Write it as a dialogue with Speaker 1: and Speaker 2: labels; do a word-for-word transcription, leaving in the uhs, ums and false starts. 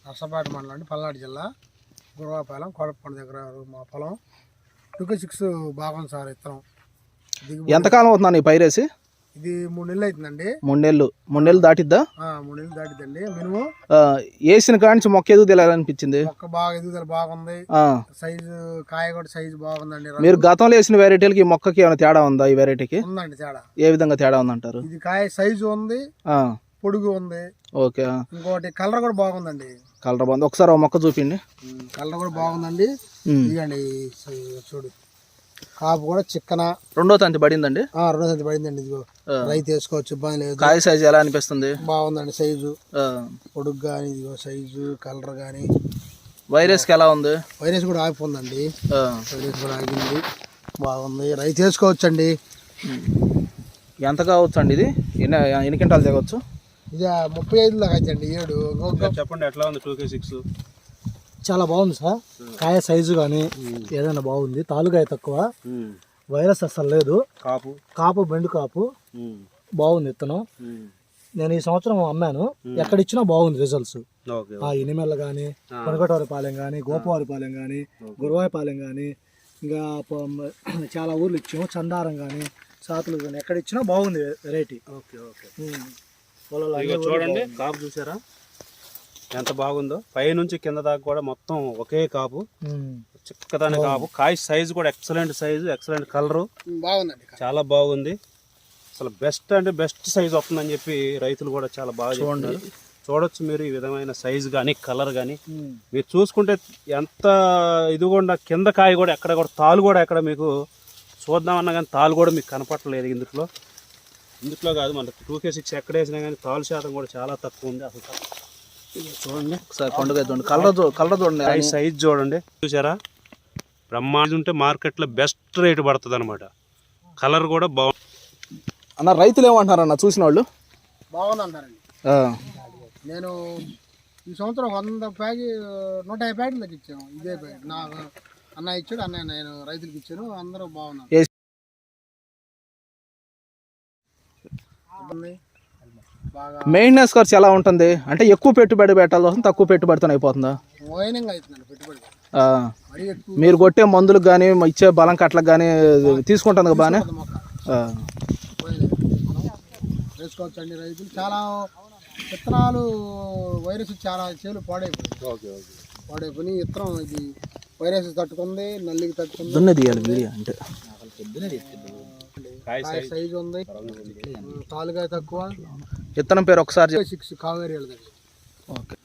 Speaker 1: నర్సంపేట మండలం అండి, పల్నాడు జిల్లా, గురవాపాలెం కోడపకొండ దగ్గర మా పొలం. టూ సిక్స్ బాగుంది సార్ విత్తనం.
Speaker 2: ఎంతకాలం అవుతుందా ఈ పైరేసి?
Speaker 1: ఇది మూడు నెలలు అవుతుందండి.
Speaker 2: మూడు నెలలు మూడు నెలలు దాటిద్దా?
Speaker 1: మూడు నెలలు దాటిద్దండి మినిమం.
Speaker 2: వేసిన కాడి మొక్క ఎదుగుదల అనిపించింది?
Speaker 1: మొక్క బాగా ఎదుగుదల బాగుంది, సైజు కాయ కూడా సైజు బాగుందండి.
Speaker 2: మీరు గతంలో వేసిన వెరైటీలకి ఈ మొక్కకి ఏమైనా తేడా ఉందా? ఈ వెరైటీకి
Speaker 1: ఉందండి తేడా.
Speaker 2: ఏ విధంగా తేడా ఉందంటారు?
Speaker 1: ఇది కాయ సైజు ఉంది, పొడుగు ఉంది.
Speaker 2: ఓకే.
Speaker 1: ఇంకోటి కలర్ కూడా బాగుందండి.
Speaker 2: కలర్ బాగుంది. ఒకసారి మొక్క చూపిండి.
Speaker 1: కలర్ కూడా బాగుందండి. ఇదిగండి చూడు, కాపు కూడా చిక్కన.
Speaker 2: రెండో తంతి పడిందండి?
Speaker 1: రెండో తంతి పడిందండి. ఇదిగో రైతు వేసుకోవచ్చు, ఇబ్బంది లేదు.
Speaker 2: కాయ సైజు ఎలా అనిపిస్తుంది?
Speaker 1: బాగుందండి సైజు, పొడుగు కానీ ఇదిగో సైజు కలర్ కానీ.
Speaker 2: వైరస్ కి ఎలా ఉంది?
Speaker 1: వైరస్ కూడా ఆగిపోయిందండి. వైరస్ కూడా ఆగింది, బాగుంది. రైతు వేసుకోవచ్చండి.
Speaker 2: ఎంత కావచ్చు అండి ఇది? ఎన్ని ఎన్ని క్వింటాలు తెగవచ్చు?
Speaker 1: ఇది ముప్పై ఐదు దాకా అవుతుంది. ఏడు
Speaker 3: చెప్పండి, ఎట్లా ఉంది టూ కే సిక్స్?
Speaker 1: చాలా బాగుంది సార్. కాయ సైజు కానీ ఏదైనా బాగుంది. తాలుకాయ తక్కువ, వైరస్ అసలు లేదు. కాపు కాపు బెండు కాపు బాగుంది విత్తనం. నేను ఈ సంవత్సరం అమ్మాను, ఎక్కడ ఇచ్చినా బాగుంది రిజల్ట్స్. ఆ ఇనిమెల్ల కానీ, కొనకటవారిపాలెం కానీ, గోపవారిపాలెం కానీ, గురవాయపాలెం కానీ, ఇంకా చాలా ఊర్లు ఇచ్చాము. చందారం కానీ, సాతులు కానీ, ఎక్కడ ఇచ్చినా బాగుంది వెరైటీ.
Speaker 3: Okay okay. చూడండి కాపు చూసారా ఎంత బాగుందో? పై నుంచి కింద దాకా కూడా మొత్తం ఒకే కాపు, చిక్కదాని కాపు. కాయ సైజు కూడా ఎక్సలెంట్ సైజు, ఎక్సలెంట్ కలరు,
Speaker 1: బాగుందండి.
Speaker 3: చాలా బాగుంది. అసలు బెస్ట్ అంటే బెస్ట్ సైజు వస్తుందని చెప్పి రైతులు కూడా చాలా బాగా చూడండి. చూడొచ్చు మీరు ఈ విధమైన సైజు కానీ కలర్ కానీ. మీరు చూసుకుంటే ఎంత ఇదిగోండా కింద కాయ కూడా ఎక్కడ కూడా తాలు కూడా ఎక్కడ మీకు చూద్దామన్నా కానీ తాలు కూడా మీకు కనపట్టలేదు. ఇందులో ఇందులో కాదు, మన టూ కే సిక్స్ ఎక్కడ వేసినా కానీ తాలు శాతం కూడా చాలా తక్కువ ఉంది. అసలు చూడండి
Speaker 2: ఒకసారి పండుగ చూడండి, కలర్ కలర్ చూడండి,
Speaker 3: సైజ్ చూడండి. చూసారా? బ్రహ్మాండం ఉంటే మార్కెట్లో బెస్ట్ రేటు పడుతుంది అనమాట. కలర్ కూడా బాగుంది
Speaker 2: అన్న. రైతులు ఏమంటున్నారు అన్న చూసిన వాళ్ళు?
Speaker 1: బాగుంది అంటారండి. నేను ఈ సంవత్సరం వంద ప్యాకెట్ నూట యాభై ప్యాకెట్లకు ఇచ్చాను. ఇదే ప్యాకెట్ నా అన్న ఇచ్చాడు, అన్న నేను రైతులకు ఇచ్చాను. అందరూ బాగున్నారు.
Speaker 2: మెయింటెనెన్స్ ఖర్చు ఎలా ఉంటుంది? అంటే ఎక్కువ పెట్టుబడి పెట్టాల్సి వస్తుంది, తక్కువ పెట్టుబడితో అయిపోతుందా? మీరు కొట్టే మందులకు కానీ ఇచ్చే బలం కట్లకు కానీ తీసుకుంటుంది బాగానే
Speaker 1: వేసుకోవచ్చండి. రైతులు చాలా విత్తనాలు వైరస్ చాలా చేలు పాడైపోయి పాడైపోయి విత్తనం ఇది వైరస్ తట్టుకుంది, నల్లికి తట్టుకుంది.
Speaker 2: అంటే
Speaker 1: సైజు ఉంది, తాలుకాయ తక్కువ.
Speaker 2: విత్తనం పేరు ఒకసారి
Speaker 1: సిక్స్ కావేరి.
Speaker 2: ఓకే.